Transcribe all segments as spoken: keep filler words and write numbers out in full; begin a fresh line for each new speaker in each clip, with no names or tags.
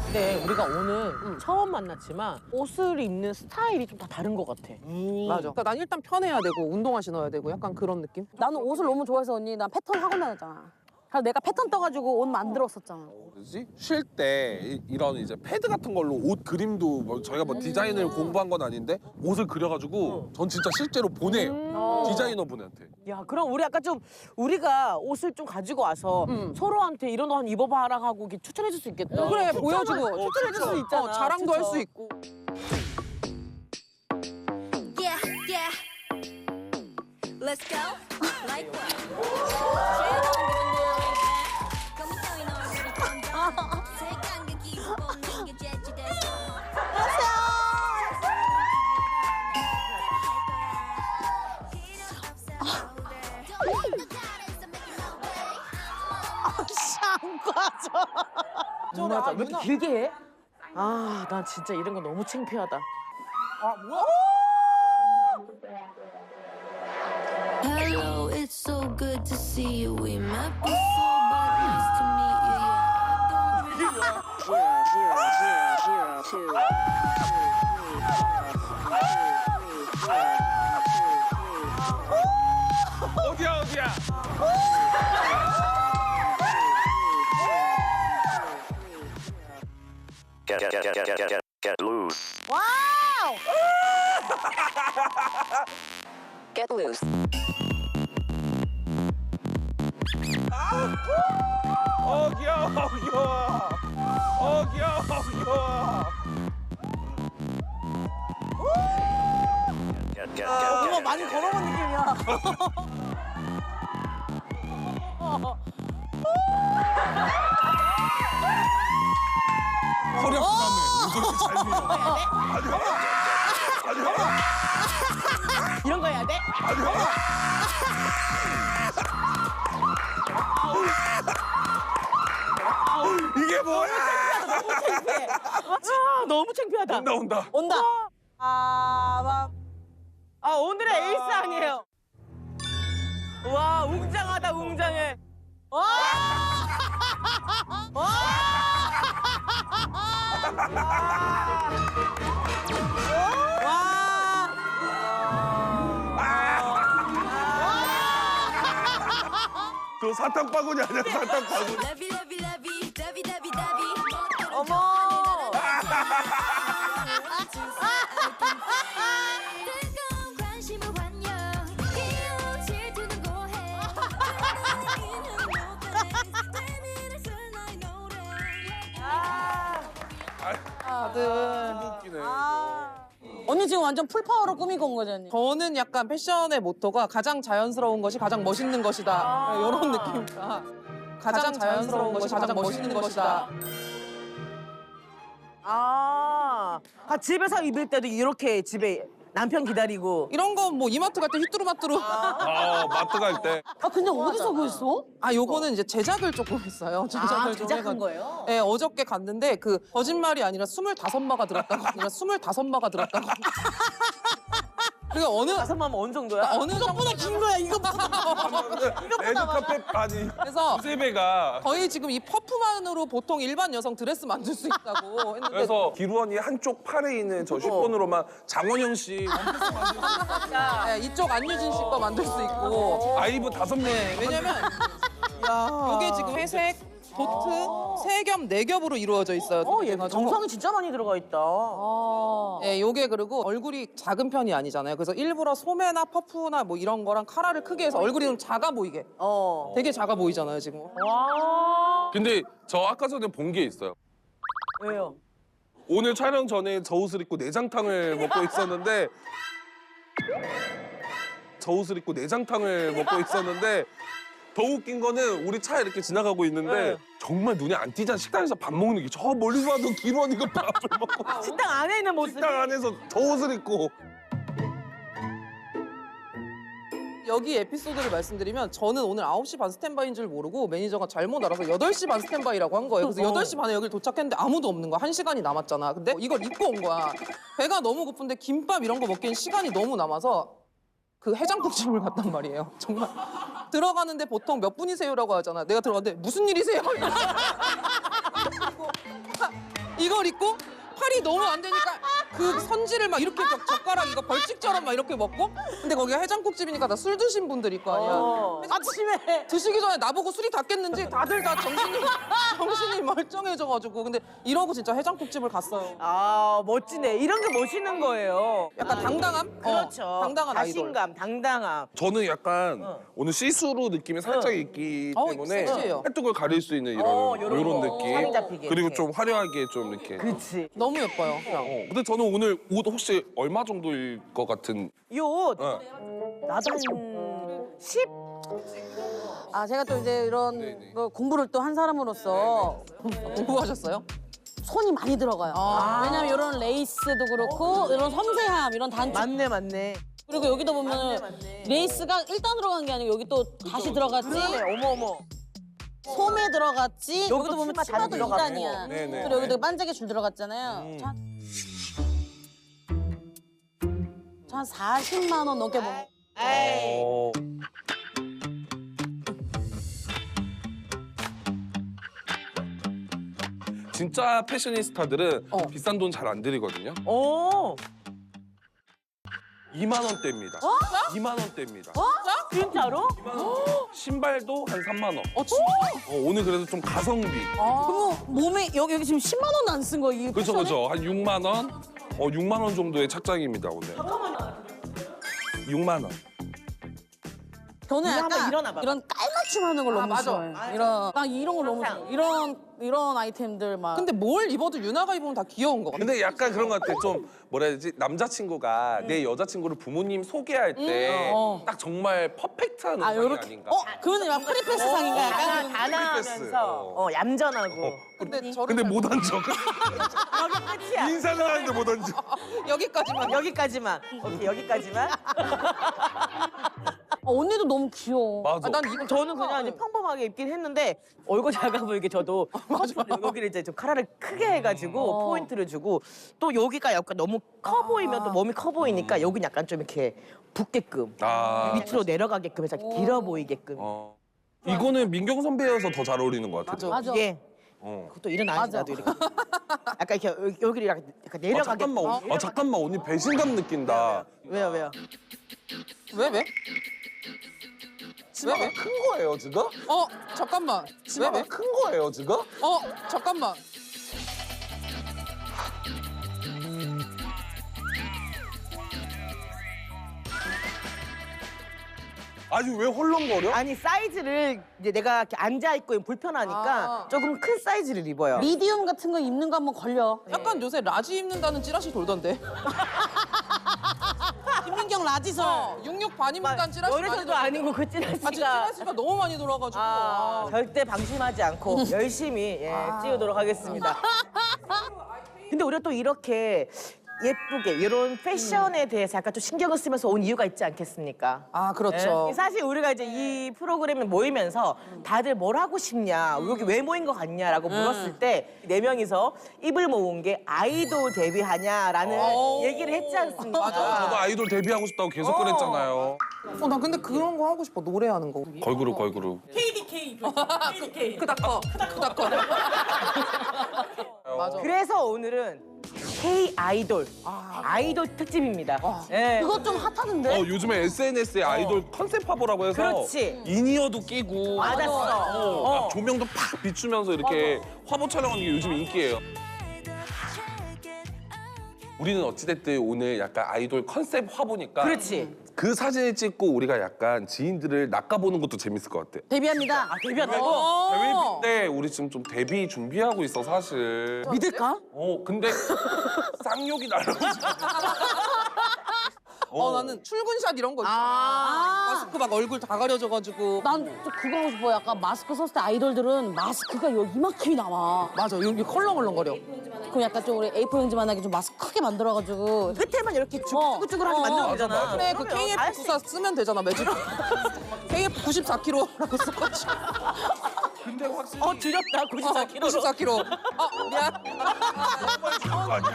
근데 우리가 오늘 처음 만났지만 옷을 입는 스타일이 좀 다 다른 것 같아.
음. 맞아. 그러니까 난 일단 편해야 되고 운동화 신어야 되고 약간 그런 느낌?
나는 옷을 너무 좋아해서 언니 난 패턴 학원 다녔잖아. 그래서 내가 패턴 떠가지고 옷 만들었었잖아.
뭐지? 쉴 때 이런 이제 패드 같은 걸로 옷 그림도 뭐 저희가 뭐 디자인을 공부한 건 아닌데 옷을 그려가지고 전 진짜 실제로 보내요. 디자이너분한테.
야, 그럼 우리 아까 좀 우리가 옷을 좀 가지고 와서 서로한테 이런 거 한 입어봐라 하고 이렇게 추천해 줄 수 있겠다.
그래 보여주고
추천해 줄 수 있잖아.
어, 자랑도 할 수
추천.
있고.
Yeah, yeah. Let's go. Like what?
좀 맞아. 왜 이렇게 길게 해? 아, 난 진짜 이런 거 너무 창피하다.
Hello, it's so good to see you. We met before, but nice to meet you. Yeah, I don't really.
어디야 어디야?
Get, get, get, get, get, get, get loose.
와우!
Get loose.
어 귀여워 귀여워. 어 귀여워 귀여워.
Get, get, get,
어머,
get,
많이 걸어본 느낌이야.
허리 아프다며. 왜 그렇게 잘 밀어? 아니 아니
이런 거 해야 돼?
아니 이게 뭐야?
아, 너무 창피하다.
온다 온다.
온다. 아, 아, 오늘의 에이스 아니에요. 와, 웅장하다, 웅장해. 와! 와!
그 사탕 바구니 아니야 사탕 바구니.
Lovey, lovey, lovey, lovey, lovey, lovey.
어머!
뜨거운 관심을 환영. 귀여운 질투는 고해.
다들.
웃기네.
언니 지금 완전 풀파워로 꾸미고 온 거지 언니?
저는 약간 패션의 모토가 가장 자연스러운 것이 가장 멋있는 것이다. 이런 느낌이다. 가장 자연스러운 것이 가장 멋있는 것이다.
아, 아, 집에서 입을 때도 이렇게 집에 남편 기다리고.
이런 건 뭐 이마트 갈 때 휘뚜루마뚜루.
아 마트 갈 때.
아 근데 어디서 구했어?
아 요거는 이제 제작을 조금 했어요. 제작을
아,
좀
제작한
해가지고.
거예요?
네, 어저께 갔는데 그 거짓말이 아니라 스물다섯 마가 들었다고. 아니라 스물다섯 마가 들었다고. 그러니까 어느
다섯 마면 어느 정도야?
어느
이것보다 긴 거야, 이거보다.
레드카펫 아니
그래서
두세 배가.
거의 지금 이 퍼프만으로 보통 일반 여성 드레스 만들 수 있다고 했는데
그래서 기루언이 한쪽 팔에 있는 저 슈폰으로만 장원영 씨 원피스 만들 수 있어.
네, 이쪽 안유진 씨 거 만들 수 있고
아이브 다섯 명.
네, 왜냐면 이게 지금 회색, 도트, 세 겹, 네 겹으로 이루어져 있어요.
어, 얘
그래가지고.
정성이 진짜 많이 들어가 있다.
네, 요게 그리고 얼굴이 작은 편이 아니잖아요. 그래서 일부러 소매나 퍼프나 뭐 이런 거랑 카라를 크게 해서 얼굴이 좀 작아 보이게.
어.
되게 작아 보이잖아요, 지금.
와.
근데 저 아까 전에 본 게 있어요.
왜요?
오늘 촬영 전에 저 옷을 입고 내장탕을 먹고 있었는데 저 옷을 입고 내장탕을 먹고 있었는데 더 웃긴 거는 우리 차 이렇게 지나가고 있는데
네.
정말 눈에 안 띄잖아. 식당에서 밥 먹는 게 저 멀리 봐도 기루언이가 밥을 먹고
식당 안에 있는 모습이.
식당 안에서 저 옷을 입고.
여기 에피소드를 말씀드리면 저는 오늘 아홉 시 반 스탠바이인 줄 모르고 매니저가 잘못 알아서 여덟 시 반 스탠바이라고 한 거예요. 그래서 여덟 시 반에 여기 도착했는데 아무도 없는 거야. 한 시간이 남았잖아. 근데 이걸 입고 온 거야. 배가 너무 고픈데 김밥 이런 거 먹기엔 시간이 너무 남아서 그 해장국집을 갔단 말이에요. 정말 들어가는데 보통 몇 분이세요라고 하잖아. 내가 들어갔는데 무슨 일이세요? 이걸 입고 팔이 너무 안 되니까 그 선지를 막 이렇게 막 젓가락 이거 벌칙처럼 막 이렇게 먹고 근데 거기가 해장국집이니까 다 술 드신 분들일 거 아니야.
어.
아침에 드시기 전에 나보고 술이 다 깼는지 다들 다 정신이 정신이 멀쩡해져가지고 근데 이러고 진짜 해장국집을 갔어요.
아 멋지네. 이런 게 멋있는 거예요.
약간 당당함?
그렇죠.
어, 당당한 아이돌.
자신감, 당당함.
저는 약간 오늘 시스루 느낌이 살짝 있기
어,
때문에
섹시해요.
팔뚝을 가릴 수 있는 이런
어,
이런,
요런 거.
느낌.
살이 잡히게
그리고
이렇게.
좀 화려하게 좀 이렇게.
그렇지.
너무 예뻐요.
어, 근데 저는 오늘 옷 혹시 얼마 정도일 것 같은?
이 옷
어.
나도 한 십?
아 제가 또 이제 이런
네네.
거 공부를 또 한 사람으로서
공부하셨어요?
손이 많이 들어가요.
아.
왜냐면 이런 레이스도 그렇고 이런 섬세함, 이런 단축.
맞네 맞네.
그리고 여기도 보면
맞네.
레이스가 일단 들어간 게 아니고 여기 또 다시 들어갔지.
그러네. 어머 어머.
소매 들어갔지.
여기도
여기도 보면
치마 다시
치마도
들어가고.
이단이야.
네네.
그리고 여기도 반짝이 줄 들어갔잖아요.
음.
자, 한 사십만 원 넘게 먹.
에이.
어. 진짜 패셔니스타들은
어.
비싼 돈 잘 안 들이거든요.
오.
이만 원대입니다. 이만 원대입니다.
진짜로?
신발도 한 삼만 원.
어 진짜?
어, 오늘 그래도 좀 가성비.
그럼 몸에 여기 여기 지금 십만 원 안 쓴 거 이.
그렇죠,
패션에?
그렇죠. 한 육만 원? 어, 육만 원 정도의 착장입니다, 오늘. 육만 원.
저는
이거 한번
약간
일어나 봐봐.
이런 깔맞춤 하는 걸
아,
너무
맞아.
좋아해. 이런 나 이런 걸 너무
항상.
좋아해. 이런 이런 아이템들 막.
근데 뭘 입어도 유나가 입으면 다 귀여운 거 같아.
근데 약간 그런 것 같아. 좀 뭐라 해야 되지? 남자친구가 내 여자친구를 부모님 소개할 때
어.
딱 정말 퍼펙트한
아
의상이
요렇게.
아닌가.
어 그거는 막 프리패스 상인가 약간.
다 단아하면서
어.
어 얌전하고.
근데 저를
근데
잘
못 앉아.
여기 끝이야.
인사는 하는데 못 앉아.
여기까지만.
여기까지만. 오케이 여기까지만.
어, 언니도 너무 귀여워.
맞아.
아, 난 이거
저는 그냥 이제 평범하게 입긴 했는데 얼굴 작아 보이게 저도 커트를 여기를 이제 좀 카라를 크게 해가지고
어.
포인트를 주고 또 여기가 약간 너무 커 보이면 또 몸이 커 보이니까 여기는 약간 좀 이렇게 붓게끔
아.
밑으로 내려가게끔 해서 길어 보이게끔
어. 이거는 민경 선배여서 더 잘 어울리는 것 같아.
맞아.
이게
어.
그것도 일어나야지
맞아.
나도 이렇게 약간 이렇게 여기- 여기를 약간 약간
아,
내려가게
잠깐만. 언니. 아, 잠깐만. 언니 배신감 느낀다.
왜요 왜요
왜 왜? 왜 왜?
큰 거예요, 지금?
어 잠깐만. 왜
치마가
왜?
큰 거예요, 지금?
어 잠깐만.
아니, 왜 헐렁거려?
아니 사이즈를 이제 내가 이렇게 앉아 있고 불편하니까
아.
조금 큰 사이즈를 입어요.
미디움 같은 거 입는 거 한번 걸려.
약간 요새 라지 입는다는 찌라시 돌던데.
김민경 라지설.
어, 육육 반 입는다는 찌라시 많이
연애사도
돌던데.
아니고 그
아 진짜
찌라시가
찌라시가 너무 많이 돌아가지고.
아,
아.
절대 방심하지 않고 열심히 예, 찌우도록 하겠습니다. 근데 우리가 또 이렇게 예쁘게 이런 패션에 대해서 약간 좀 신경을 쓰면서 온 이유가 있지 않겠습니까?
아 그렇죠.
예? 사실 우리가 이제 이 프로그램에 모이면서 다들 뭘 하고 싶냐, 여기 왜 모인 것 같냐라고 물었을 때 네 명이서 입을 모은 게 아이돌 데뷔하냐라는
오.
얘기를 했지 않습니까?
맞아.
저도 아이돌 데뷔하고 싶다고 계속
어.
그랬잖아요.
어, 나 근데 그런 거 하고 싶어. 노래하는 거.
걸그룹, 걸그룹.
크다커. 크다커. 맞아.
그래서 오늘은 K 아이돌 아이돌 특집입니다. 예.
그거 좀 핫하던데.
어, 요즘에 에스엔에스에 아이돌 컨셉 화보라고 해서
그렇지.
인이어도 끼고
맞았어.
어,
어.
막 조명도 팍 비추면서 이렇게 화보 촬영하는 게 요즘 인기예요. 우리는 어찌됐든 오늘 약간 아이돌 컨셉 화보니까
그렇지.
그 사진을 찍고 우리가 약간 지인들을 낚아보는 것도 재밌을 것 같아.
데뷔합니다.
아, 데뷔한다고?
어.
데뷔 때 우리 지금 좀 데뷔 준비하고 있어 사실.
믿을까?
어 근데 쌍욕이 날라오지.
어, 나는 출근샷 이런 거 있잖아.
아.
마스크 막 얼굴 다 가려져가지고.
난 좀 그거 하고 싶어. 약간 마스크 썼을 때 아이돌들은 마스크가 여기 이만큼이 나와.
맞아, 여기 컬렁컬렁거려.
그럼 약간 좀 우리 에이포 형제만하게 좀 마스크 크게 만들어가지고.
끝에만 이렇게
어.
쭈글쭈글하게
어,
만들면
맞아,
되잖아.
그래, 그
그러면 다
케이에프
할 수
구사 쓰면 되잖아, 매직. 케이에프 구십사 킬로그램라고 써가지고.
근데 확실히
어 줄였다 구십사 킬로그램.
구십사 킬로그램. 아, 미안.
거 아니야?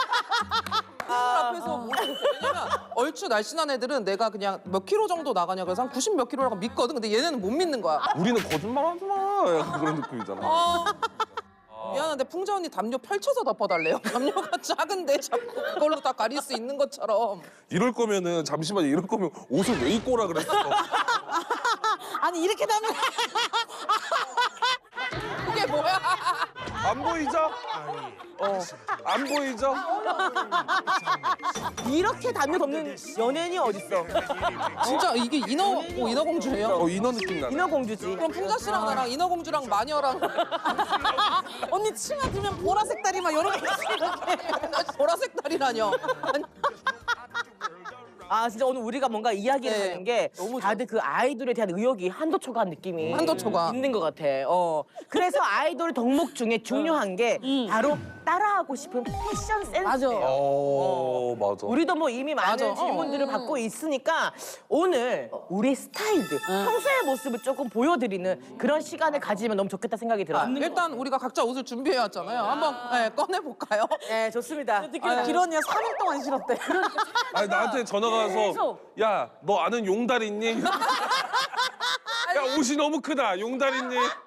앞에서 모르겠어. 왜냐면 얼추 날씬한 애들은 내가 그냥 몇 킬로 정도 나가냐 그래서 한 구십 몇 킬로라고 믿거든. 근데 얘네는 못 믿는 거야.
우리는 거짓말하지 마. 약간 그런 느낌이잖아.
어, 미안한데 풍자 언니 담요 펼쳐서 덮어달래요. 담요가 작은데 자꾸 그걸로 다 가릴 수 있는 것처럼.
이럴 거면은 잠시만요. 이럴 거면 옷을 왜 입고 오라 그랬어?
아니 이렇게 되면
그게 뭐야?
안 보이죠? 어, 안 보이죠?
이렇게 담요 덮는 연예인이 어딨어?
진짜 이게 인어 어, 인어공주예요?
어, 인어 느낌 나네.
인어공주지.
그럼 풍자 씨랑 나랑 인어공주랑 마녀랑
언니 치마 들면 보라색 다리 막 여러 개 있어.
보라색 다리라뇨. 아니,
아 진짜 오늘 우리가 뭔가 이야기를
네,
하는 게
너무
다들 그 아이돌에 대한 의욕이 한도 초과한 느낌이
한도 초과.
있는 것 같아. 어. 그래서 아이돌 덕목 중에 중요한 게 바로 따라하고 싶은 패션 센스예요.
맞아.
어, 맞아.
우리도 뭐 이미 많은
맞아.
질문들을 받고 있으니까 오늘 우리 스타일들 평소의 모습을 조금 보여드리는 그런 시간을 가지면 너무 좋겠다 생각이 들어요.
일단 우리가 각자 옷을 준비해 왔잖아요. 한번 네, 꺼내 볼까요?
네 좋습니다.
길 언니가 삼 일 동안 싫었대.
아니 나한테 전화가 와서 야 너 아는 용달 있니? 야 옷이 너무 크다 용달 있니?